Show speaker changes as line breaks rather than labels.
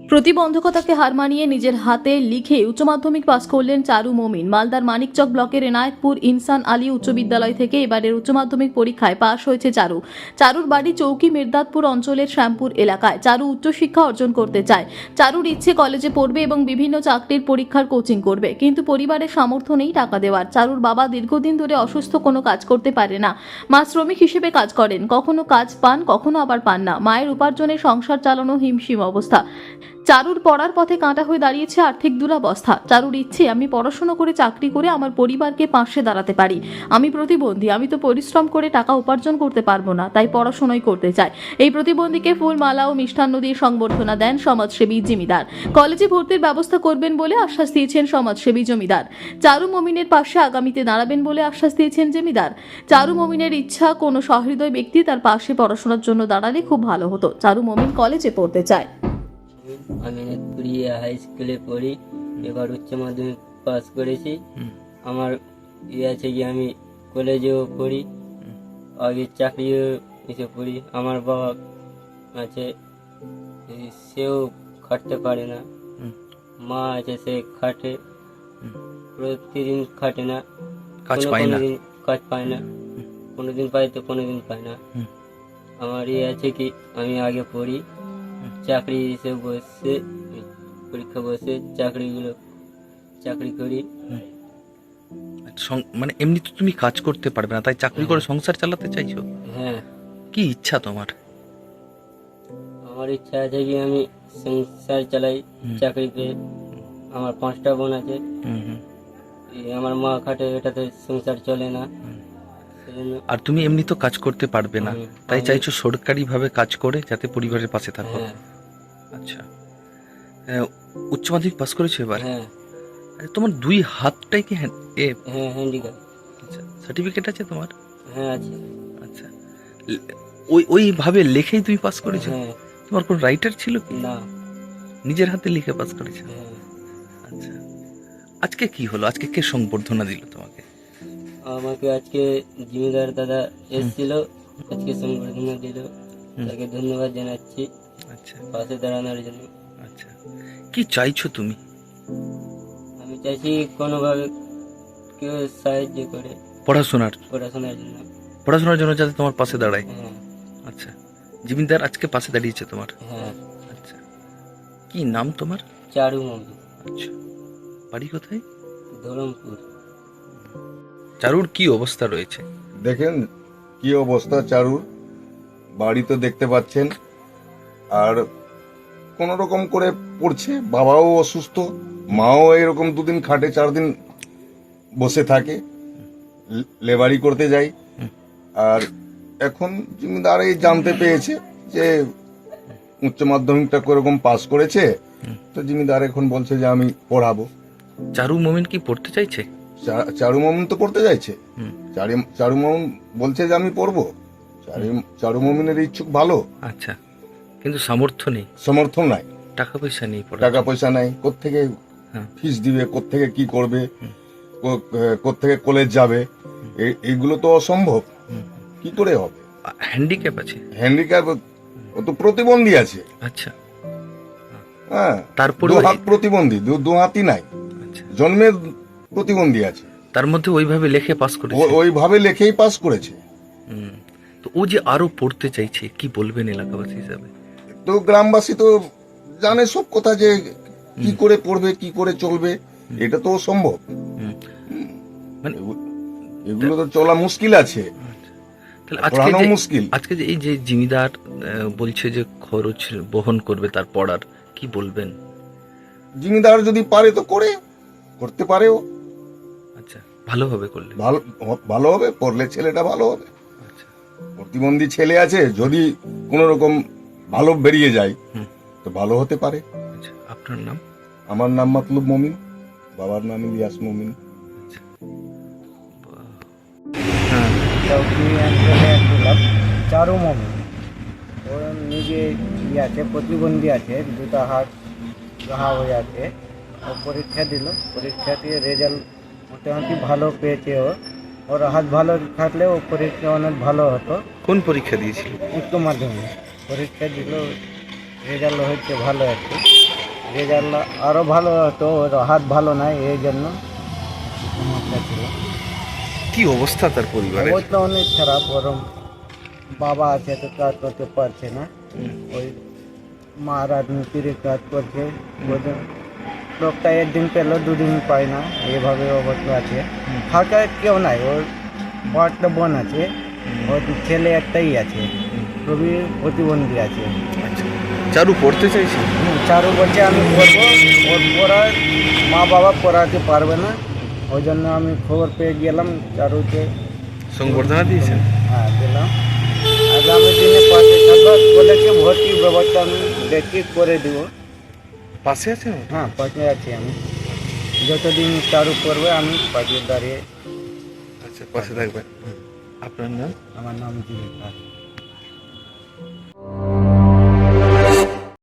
প্রতিবন্ধকতাকে হার মানিয়ে নিজের হাতে লিখে উচ্চ মাধ্যমিক পাস করলেন চারু মমিন। মালদার মানিকচক ব্লকের এনায়েতপুর ইনসান আলী উচ্চ বিদ্যালয় থেকে এবারের উচ্চ মাধ্যমিক পরীক্ষায় পাশ হয়েছে চারু। চারুর বাড়ি চৌকি মির্দাতপুর অঞ্চলের শ্যামপুর এলাকায়। চারু উচ্চশিক্ষা অর্জন করতে চায়। চারুর ইচ্ছে কলেজে পড়বে এবং বিভিন্ন চাকরির পরীক্ষার কোচিং করবে, কিন্তু পরিবারের সামর্থ্য নেই টাকা দেওয়ার। চারুর বাবা দীর্ঘদিন ধরে অসুস্থ, কোনো কাজ করতে পারে না। মা শ্রমিক হিসেবে কাজ করেন, কখনো কাজ পান কখনো আবার পান না। মায়ের উপার্জনে সংসার চালানো হিমশিম অবস্থা। চারুর পড়ার পথে কাঁটা হয়ে দাঁড়িয়েছে আর্থিক দুরবস্থা। চারুর ইচ্ছে, আমি পড়াশোনা করে চাকরি করে আমার পরিবারকে পাশে দাঁড়াতে পারি। আমি প্রতিবন্ধী, আমি তো পরিশ্রম করে টাকা উপার্জন করতে পারবো না, তাই পড়াশোনাই করতে চাই। এই প্রতিবন্ধীকে ফুল, মালা ও মিষ্টান্ন দিয়ে সংবর্ধনা দেন সমাজসেবী জমিদার। কলেজে ভর্তির ব্যবস্থা করবেন বলে আশ্বাস দিয়েছেন সমাজসেবী জমিদার। চারু মমিনের পাশে আগামীতে দাঁড়াবেন বলে আশ্বাস দিয়েছেন জমিদার। চারু মমিনের ইচ্ছা, কোনো সহৃদয় ব্যক্তি তার পাশে পড়াশোনার জন্য দাঁড়ালে খুব ভালো হতো। চারু মমিন কলেজে পড়তে চায়।
আমি নেতপুরিয়া হাই স্কুলে পড়ি, এবার উচ্চ মাধ্যমিক পাস করেছি। আমার ইয়ে আছে কি আমি কলেজেও পড়ি, আগে চাকরিও এসে পড়ি। আমার বাবা আছে, সেও খাটতে পারে না। মা আছে, সে খাটে, প্রতিদিন খাটে না, কোনোদিন কাজ পায় না, কোনোদিন পায় তো কোনোদিন পায় না। আমার ইয়ে আছে কি আমি আগে পড়ি, চাকরি এসে বসে পরীক্ষা বসে চাকরি করি।
মানে এমনি তো তুমি কাজ করতে পারবে না, তাই চাকরি করে সংসার চালাতে চাইছো?
হ্যাঁ,
কি ইচ্ছা তোমার?
আমার ইচ্ছা আছে কি আমি সংসার চালাই চাকরি পেয়ে। আমার 5টা বোন আছে, আমার মা খাটে, এটাতে সংসার চলে না।
আর তুমি এমনি তো কাজ করতে পারবে না, তাই চাইছো সরকারি ভাবে কাজ করে যাতে পরিবারের পাশে থাকো। আচ্ছা, উচ্চ মাধ্যমিক পাস করেছো এবার?
হ্যাঁ।
তোমার দুই হাতটাই কি
হ্যান্ডিক্যাপ?
আচ্ছা, সার্টিফিকেট আছে তোমার?
হ্যাঁ আছে।
আচ্ছা, ওইভাবে লেখেই তুমি পাস করেছো?
হ্যাঁ।
তোমার কোন রাইটার ছিল কি?
না,
নিজের হাতে লিখে পাস করেছো?
হ্যাঁ।
আচ্ছা, আজকে কি হলো? আজকে কে সংবর্ধনা দিল তোমাকে?
আমাকে আজকে জমিদার দাদা এসেছিল, আজকে সংবর্ধনা দিল, তাকে ধন্যবাদ জানাচ্ছি।
আচ্ছা,
পাশে দাঁড়ানোর জন্য।
আচ্ছা, কি চাইছো তুমি?
আমি চাইছি কোনোভাবে কেউ সাহায্য করে
পড়াশোনার জন্য যাতে তোমার পাশে দাঁড়ায়।
হ্যাঁ।
আচ্ছা, জমিদার আজকে পাশে দাঁড়িয়েছে তোমার?
হ্যাঁ।
আচ্ছা, কি নাম তোমার?
চারু মমিন।
আচ্ছা, বাড়ি কোথায়?
ধরমপুর।
চারুর কি অবস্থা রয়েছে?
দেখেন কি অবস্থা চারুর, বাড়ি তো দেখতে পাচ্ছেন, আর কোন রকম করে পড়ছে। বাবাও অসুস্থ, মাও এরকম 2 দিন খাটে, 4 দিন বসে থাকে, লেবারি করতে যাই। আর এখন জমিদার এই জানতে পেয়েছে যে উচ্চ মাধ্যমিকটা কোরকম পাস করেছে, তো জমিদার এখন বলছে যে আমি পড়াবো।
চারু মমিন কি পড়তে চাইছে?
চারু মামুন তো পড়তে চাইছে। চারু মামুন বলছে যে আমি পড়বো। চারু মামুনের ইচ্ছুক ভালো।
আচ্ছা, কিন্তু সামর্থ্য
নাই,
টাকা পয়সা নেই,
টাকা পয়সা নাই। কোত্থেকে ফিস দিবে, কোত্থেকে কি করবে, কোত্থেকে কলেজ যাবে, এইগুলো তো অসম্ভব। কি করে হবে?
হ্যান্ডিক্যাপ আছে?
হ্যান্ডিক্যাপ, ও তো প্রতিবন্ধী আছে।
আচ্ছা,
হ্যাঁ,
তারপরে
2 হাত প্রতিবন্ধী, 2 হাতই নাই, জন্মের প্রতিবন্ধী আছে।
তার মধ্যে ওইভাবে লেখে পাস করেছে?
ওইভাবে লেখেই পাস করেছে।
তো ও যে আরো পড়তে চাইছে, কি বলবেন এলাকাবাসী হিসাবে?
তো গ্রামবাসী তো জানে সব কথা, যে কি করে পড়বে, কি করে চলবে, এটা তো সম্ভব।
মানে
এগুলো তো চলা মুশকিল আছে,
পড়ানো
মুশকিল।
আজকে যে এই যে জমিদার বলছে যে খরচ বহন করবে তার পড়ার, কি বলবেন?
জমিদার যদি পারে তো করতে পারেও।
আচ্ছা, ভালো হবে করলে?
ভালো হবে, পড়লে ছেলেটা ভালো হবে। প্রতিবন্ধী ছেলে আছে, যদি কোন রকম ভালো বেরিয়ে যায় তো ভালো হতে পারে।
আচ্ছা, আপনার নাম?
আমার নাম মতলুব মমিন, বাবার নাম ইলিয়াস মমিন।
চারু মমিন, ওর নিজে ইয়ে আছে, প্রতিবন্ধী আছে, 2টা হাত ঘা হয়ে আছে। ও পরীক্ষা দিল, পরীক্ষা দিয়ে রেজাল্ট মোটামুটি ভালো পেয়েছে। ওর হাত ভালো থাকলে ও পরীক্ষা অনেক ভালো হতো।
কোন পরীক্ষা দিয়েছিল?
উচ্চ মাধ্যমিক পরীক্ষা দিল, রেজাল্ট হচ্ছে ভালো আছে। রেজাল্ট আরও ভালো হতো, ওর হাত ভালো নাই, এই জন্য সমস্যা ছিল।
কি অবস্থা তার পরিবারের?
অবস্থা অনেক খারাপ। ওর বাবা আছে তো কাজ করতে পারছে না, ওই মা রাজনীতির কাজ করছে, ওদের লোকটা একদিন পেলো দুদিন পায় না, এইভাবে অবস্থা আছে। ফাঁকা কেউ নাই, ওর 5টা বোন আছে, ওর ছেলে একটাই আছে, খুবই প্রতিবন্ধী আছে।
আচ্ছা, চারু পড়তে চাইছে?
চারু বলছে আমি পড়বো, ওর পড়ার মা বাবা পড়াতে পারবে না, ওই জন্য আমি খবর পেয়ে গেলাম চারুকে।
সংবর্ধনা দিয়েছেন?
হ্যাঁ দিলাম। আগামী দিনে পাশে থাকবো, কলেজে ভর্তির ব্যবস্থা আমি দেখি করে দিব।
পাশে আছেন?
হ্যাঁ পাশে আছি আমি, যতদিন চারু করবে আমি পাশে দাঁড়িয়ে।
আচ্ছা, পাশে থাকবেন। আপনার নাম?
আমার নাম জীবিকা।